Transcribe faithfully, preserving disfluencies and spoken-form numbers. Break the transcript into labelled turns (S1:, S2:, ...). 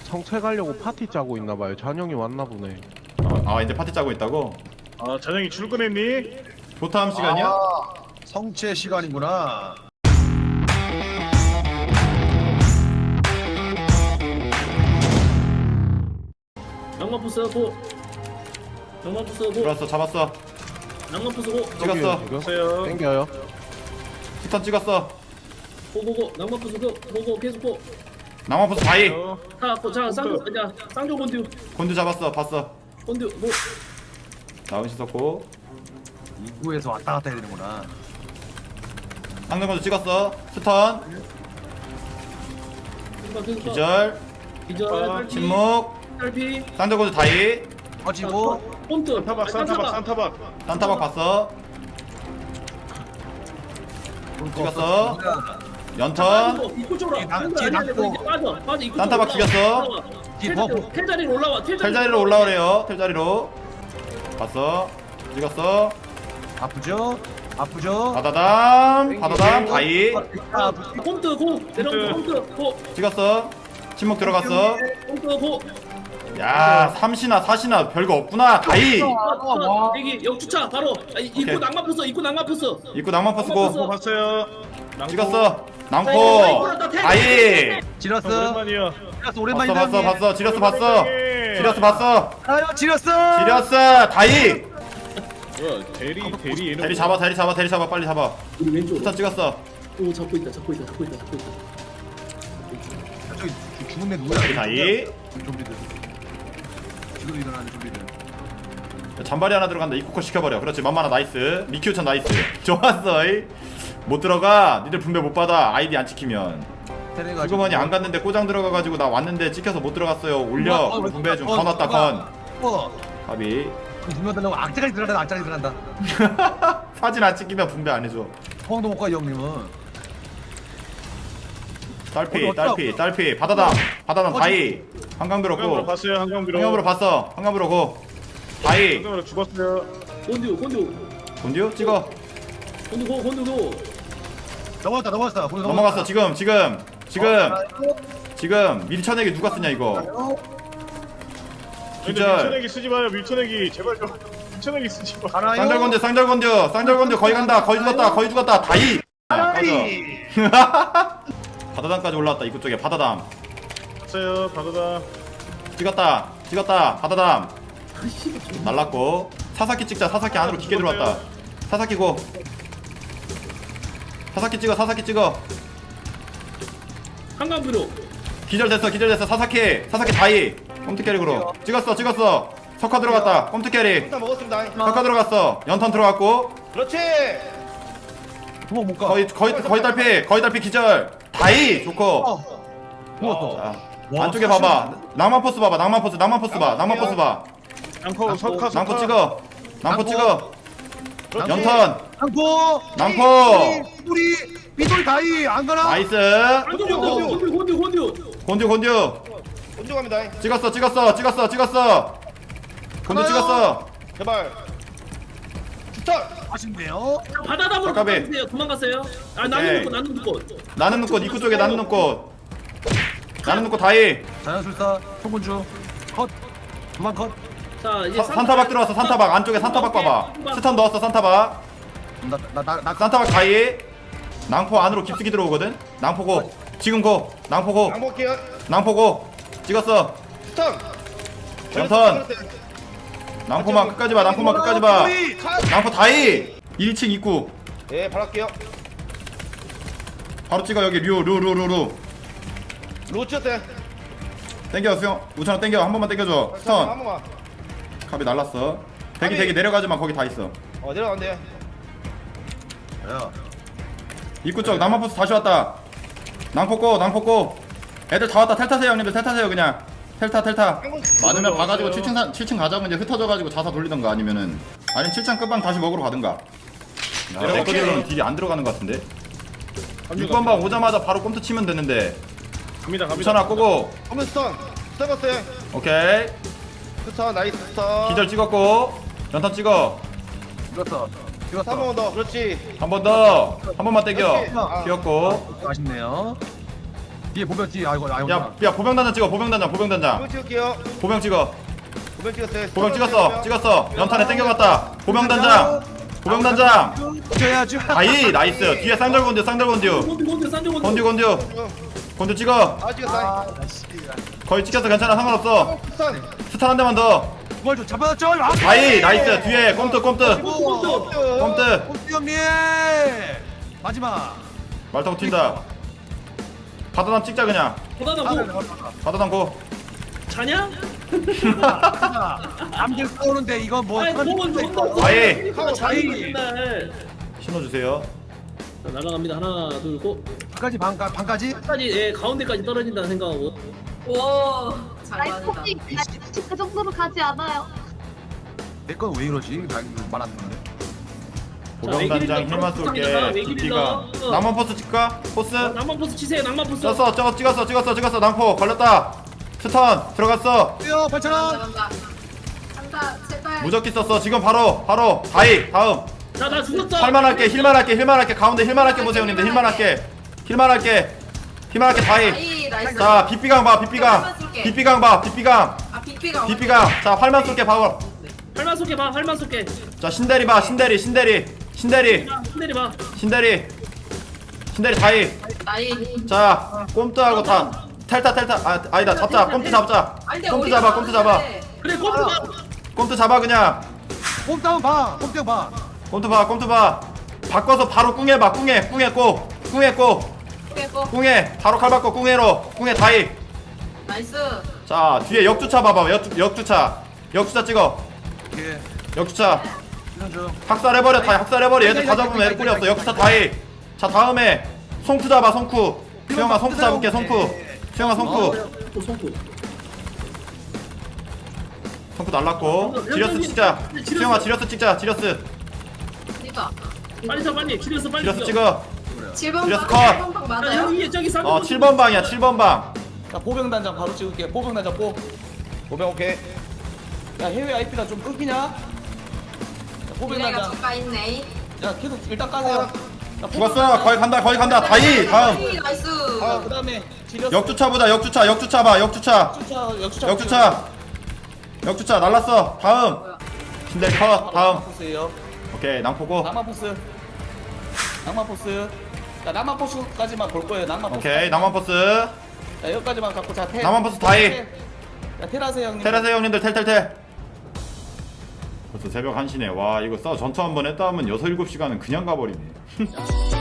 S1: 성체 가려고 파티 짜고 있나봐요. 잔영이 왔나보네.
S2: 아, 아 이제 파티 짜고 있다고?
S3: 아 잔영이 출근했니?
S2: 조타함 시간이야?
S4: 아, 성체 시간이구나.
S5: 낭만포스 고 낭만포스 고
S2: 들어왔어, 잡았어,
S5: 낭만포스 고
S2: 찍었어.
S1: 지금
S3: 보세요.
S1: 땡겨요.
S2: 스턴 찍었어.
S5: 고고고 낭만포스 고 고고 계속 고
S2: 낭만포스 다이.
S5: 자, 고, 자 쌍조 자 쌍조 본듀
S2: 곤두 잡았어, 봤어.
S5: 본듀 뭐
S2: 나은시 썼고.
S4: 입구에서 왔다 갔다 해야 되는구나.
S2: 상대곤두 찍었어. 스턴.
S5: 계속 계속
S2: 기절.
S5: 기절
S3: 아,
S5: 딸피
S2: 침묵.
S5: 딸피
S2: 상대곤두 다이.
S4: 터지고
S5: 폰트
S3: 산타박 산타박 산타박.
S2: 산타박 봤어. 찍었어. 연턴.
S5: 입구 쪽으로
S4: 나- 뒤에 낚고.
S5: 빠져 빠져 입구
S2: 산타박 죽였어.
S4: 뒤에 버프.
S5: 텔 자리로 올라와 텔
S2: 텔 자리로 올라오래요. 텔 자리로. 봤어. 찍었어.
S4: 아프죠? 아프죠?
S2: 바다담. 바다담 다이.
S4: 아,
S5: 폰트 고 내려온 폰트 고
S2: 찍었어. 침묵 들어갔어.
S5: 폰트 고
S2: 야, 삼시나 사시나 별거 없구나. 다이.
S4: 와.
S5: 여기 역주차 바로 아, 입구
S2: 오케이.
S5: 낭만포스 입구 낭만포스
S2: 입구 낭만포 쓰고.
S5: 낭만포스.
S3: 봤어요. 낭포.
S2: 찍었어. 낭포. 다이.
S4: 지렸어.
S3: 오랜만이야.
S4: 지렸어
S2: 봤어,
S4: 오랜만이다.
S2: 봤어, 봤어. 지렸어, 봤어. 지렸어, 봤어.
S4: 아유 지렸어.
S2: 지렸어. 다이.
S3: 뭐야 대리 대리 얘는.
S2: 대리 잡아, 대리 잡아, 대리 잡아. 빨리 잡아.
S5: 우리 왼쪽
S2: 스턴 찍었어.
S5: 오 잡고 있다 잡고 있다 잡고 있다 잡고 있다
S4: 저기 죽- 죽은 애 누구야?
S2: 대리 다이.
S4: 좀비들. 지금 일어나는 좀비들.
S2: 잔발이 하나 들어간다. 입구컷 시켜버려. 그렇지. 만만하 나이스. 미키우천 나이스. 좋았어. 이. 못 들어가. 니들 분배 못 받아. 아이디 안 찍히면. 주거만이 안 갔는데 꼬장 들어가가지고 나 왔는데 찍혀서 못 들어갔어요. 올려. 분배 좀. 건 왔다 건.
S4: 어.
S2: 가비.
S4: 분명 달라고 악재까지 들어간다. 악재까지 들어간다.
S2: 사진 안 찍히면 분배 안 해줘.
S4: 포항도 못 가 이 형님은.
S2: 딸피
S4: 어디,
S2: 딸피 딸피. 바다담. 바다담
S4: 어디?
S2: 다이. 한강
S3: 한강으로
S2: 들었고.
S3: 봤어요. 한강으로.
S2: 한강으로 봤어. 한강으로 고. 다이.
S3: 한강으로 죽었어요.
S5: 곤듀 곤듀
S2: 본디오 찍어.
S5: 곤듀 고 곤듀 고
S4: 넘어갔다 넘어갔어. 거기
S2: 넘어갔어. 지금 지금 지금
S4: 어,
S2: 지금 밀쳐내기 누가 쓰냐 이거.
S3: 근데
S2: 기절.
S3: 밀쳐내기 쓰지 마요. 밀쳐내기 제발 좀. 밀쳐내기 쓰지 마.
S4: 가나요?
S2: 쌍절건조 쌍절건조 쌍절건조 거의 간다. 거의 죽었다. 거의 죽었다. 다이. 야, 꺼져.
S4: 아이.
S2: 바다담까지 올라왔다. 입구 쪽에 바다담.
S3: 봤어요. 바다다.
S2: 찍었다. 찍었다. 바다담. 날랐고. 사사키 찍자. 사사키 안으로 깊게 들어왔다. 사사키 고. 사사키 찍어. 사사키 찍어.
S5: 한강뷰로
S2: 기절됐어. 기절됐어. 사사키. 사사키 다이. 컴트 캐릭으로. 찍었어. 찍었어. 석화 들어갔다. 컴트 캐릭.
S6: 일단 먹었습니다.
S2: 석화 들어갔어. 연턴 들어갔고.
S6: 그렇지.
S4: 도망 못 가.
S2: 거의 거의 거의 달피. 거의 달피 기절. 다이. 좋고.
S4: 어. 죽었어.
S2: 자,
S4: 와,
S2: 안쪽에
S4: 사실-
S2: 봐봐. 낭만 포스 봐봐. 낭만 포스. 낭만 포스 봐. 낭만 포스 봐.
S3: 낭포 석화 석화.
S2: 낭포 찍어. 낭포
S4: 낭포.
S2: 찍어.
S6: 그렇지.
S2: 연턴.
S4: 낭포.
S2: 낭포.
S4: 우리 삐돌이 다이 안 가나?
S2: 나이스.
S5: 곤듀 곤듀 곤듀 곤듀
S2: 곤듀 곤듀.
S6: 먼저 갑니다.
S2: 찍었어. 찍었어. 찍었어. 찍었어. 곤듀
S4: 하나요?
S2: 찍었어.
S6: 제발. 주탄.
S4: 아쉽네요.
S5: 바다담으로
S2: 잠깐만.
S5: 도망가세요 도망가세요 아
S2: 오케이.
S5: 나는 눈꽃 나는 눈꽃
S2: 나는 눈꽃 입구 쪽에 나는 눈꽃. 나는 눈꽃 다이.
S4: 자연술사 소군주 컷. 두만 컷.
S5: 자 이제
S2: 사- 산타박 들어왔어. 산타박 안쪽에 산타박 봐봐. 스턴 넣었어. 산타박.
S4: 나나나
S2: 산타박 다이. 낭포 안으로 깊숙이 들어오거든. 낭포고. 지금 고. 낭포고.
S6: 양복해요.
S2: 낭포고. 찍었어.
S6: 주탄.
S2: 연턴. 낭포만 끝까지 봐. 낭포만 끝까지 봐.
S6: 컷.
S2: 낭포 다이. 일 층 입구.
S6: 예, 바로 할게요.
S2: 바로 찍어 여기 류 류 류 류류.
S6: 로치였대.
S2: 땡겨 수영. 우천아 땡겨. 한 번만 땡겨줘.
S6: 한
S2: 스턴.
S6: 번만.
S2: 갑이 날랐어. 대기
S6: 갑이.
S2: 대기 내려가지마. 거기 다 있어.
S6: 어, 내려간대.
S4: 야.
S2: 입구 쪽 낭만포스 다시 왔다. 낭포고 낭포고. 애들 다 왔다. 텔 타세요 형님들. 텔 타세요 그냥. 텔타 텔타. 많으면 봐가지고 칠 층 사, 칠 층 가자고 이제 흩어져가지고 자사 돌리던가 아니면은 아니면 칠 층 끝방 다시 먹으러 가든가. 야, 내 거대로는 딜이 안 들어가는 것 같은데. 육 번 방 오자마자 바로 꼼트 치면 되는데.
S3: 갑니다 갑니다.
S2: 우천아 꼬고.
S6: 홈런 스턴. 스턴 갔어요.
S2: 오케이.
S6: 스턴 나이스 스턴.
S2: 기절 찍었고. 연탄 찍어.
S4: 죽었어.
S6: 한
S4: 죽었어.
S6: 번 더. 그렇지.
S2: 한 번 더. 한 번만 땡겨.
S6: 오케이. 아.
S2: 귀엽고.
S4: 아쉽네요. 뒤에 보면 뒤 아이고 아이고.
S2: 야, 야 보병단장 찍어. 보병단장, 보병단장.
S6: 보병 찍을게요.
S2: 보병 찍어.
S6: 보병 찍었어요.
S2: 보병 찍었어. 찍었어. 연탄에 땡겨갔다. 보병단장. 보병단장.
S4: 줘야죠.
S2: 다이 나이스. 뒤에 쌍절 건듀, 쌍절 건듀.
S5: 곤듀 곤듀 싼 곤듀.
S2: 건듀 건듀. 건듀 찍어.
S6: 아 찍었어.
S2: 거의 찍혔어. 괜찮아. 상관없어.
S6: 스턴.
S2: 스탄 한 대만 더.
S4: 그걸 좀 잡아놨죠. 아,
S2: 다이 나이스. 뒤에 꼼트 꼼트.
S5: 곤듀.
S2: 꼼트.
S4: 꼼수 형님. 마지막.
S2: 말 타고 튄다. 바다담 찍자 그냥.
S5: 보다다 고.
S2: 바다담 고.
S5: 자냐?
S4: 남들 싸우는데 이거 뭐?
S5: 아이 보건 존나.
S2: 아예.
S5: 자이 맨날.
S2: 신호 주세요.
S5: 자, 날아갑니다. 하나 둘 고.
S4: 반까지 반까 반까지.
S5: 끝까지 예 가운데까지 떨어진다는 생각하고.
S7: 와, 잘
S8: 아니
S7: 맞다.
S8: 혹시 그 정도로 가지 않아요.
S4: 내 건 왜 이러지? 말았는데.
S2: 보병단장 힐만 쏠게. 두피가. 낭만 포스 찍까? 포스.
S5: 낭만 포스 치세요. 낭만 포스.
S2: 찍었어. 저거 찍었어. 찍었어. 찍었어. 낭포 걸렸다. 스턴 들어갔어.
S4: 뛰어 팔천
S7: 간다,
S4: 원.
S7: 간다. 간다, 제발.
S2: 무적기 썼어. 지금 바로 바로 다이 다음.
S5: 자나 죽었어.
S2: 할만 할게. 힐만 할게. 힐만 할게. 가운데 힐만 할게 보세요, 형님들. 힐만 할게. 힐만 할게. 힐만 할게 다이.
S7: 아이, 나이스.
S2: 자, 빗비강 봐. 빗비강. 빗비강 봐. 빗비강.
S7: 아, 빅비가.
S2: 빗비강. 자, 활만 쏠게. 봐봐.
S5: 활만 쏘게 봐. 활만 쏘게.
S2: 자, 신대리 봐. 신대리. 신대리. 신대리.
S5: 자, 흔들이 봐.
S2: 신대리. 신대리 다이.
S7: 나이.
S2: 자, 꼼트하고 다 탈타 탈타. 아, 아니다. 잡자. 꼼트 잡자.
S7: 아니, 근데
S2: 꼼트
S7: 우리가
S2: 잡아. 꼼트 잡아.
S7: 하는데.
S5: 그래 꼼트 봐.
S2: 꼼트 잡아 그냥.
S4: 꼼다운 봐. 꼼다운 봐.
S2: 꼼트 봐. 꼼트 봐. 바꿔서 바로 꿍해 봐. 꿍해. 꿍해 꼬. 꿍해 꼬.
S7: 빼고.
S2: 꿍해. 바로 칼 바꿔 꿍해로. 꿍해 다이.
S7: 나이스.
S2: 자, 뒤에 역주차 봐봐. 역, 역주차. 역주차 찍어.
S4: 이게
S2: 역주차.
S4: 이런 중.
S2: 학살해버려. 다이 학살해버려. 얘들 다 잡으면 애들 꿀이 없어. 역주차 다이. 자, 다음에 송쿠 잡아. 송쿠. 수영아 송쿠 잡을게. 송쿠. 수영아 송쿠.
S5: 또 손구.
S2: 송쿠 날랐고. 지려스 찍자. 수영아 지려스 찍자. 지려스.
S7: 그니까.
S5: 빨리 쳐 빨리. 지렸어 빨리.
S2: 지려스
S5: 죽여.
S2: 찍어.
S7: 칠 번
S2: 지렸어,
S7: 방,
S2: 컷.
S7: 칠 번 방
S5: 아,
S7: 맞아요?
S5: 형이 저기 쌍.
S2: 어, 칠 번 방이야. 칠 번 방.
S9: 자 보병단장 바로 찍을게. 보병단장 뽀.
S6: 보병 오케이.
S9: 야 해외 아이피나 좀 끊기냐? 야,
S7: 미래가
S9: 보병단장.
S7: 잠깐 있네.
S9: 야 계속 일단 까세요. 야,
S2: 죽었어. 거의 간다. 거의 간다. 다이. 다음.
S7: 나이, 나이스.
S9: 아 그다음에 지렸어.
S2: 역주차 보자. 역주차. 역주차 봐. 역주차.
S9: 역주차 역주차.
S2: 역주차. 역주차 날랐어. 다음. 신대 컷. 다음.
S9: 포스예요.
S2: 오케이. 낭포고.
S9: 낭만 포스. 낭만 포스. 자 낭만 포스까지만 볼 거예요. 낭만 포스.
S2: 오케이. 낭만 포스.
S9: 자 여기까지만 갖고 자 테.
S2: 낭만 포스 다이.
S9: 야 테라세 형님.
S2: 테라세 형님들 텔텔텔. 벌써 새벽 한 시네. 와, 이거 싸 전투 한 번 했다 하면 여섯 일곱 시간은 그냥 가버리네.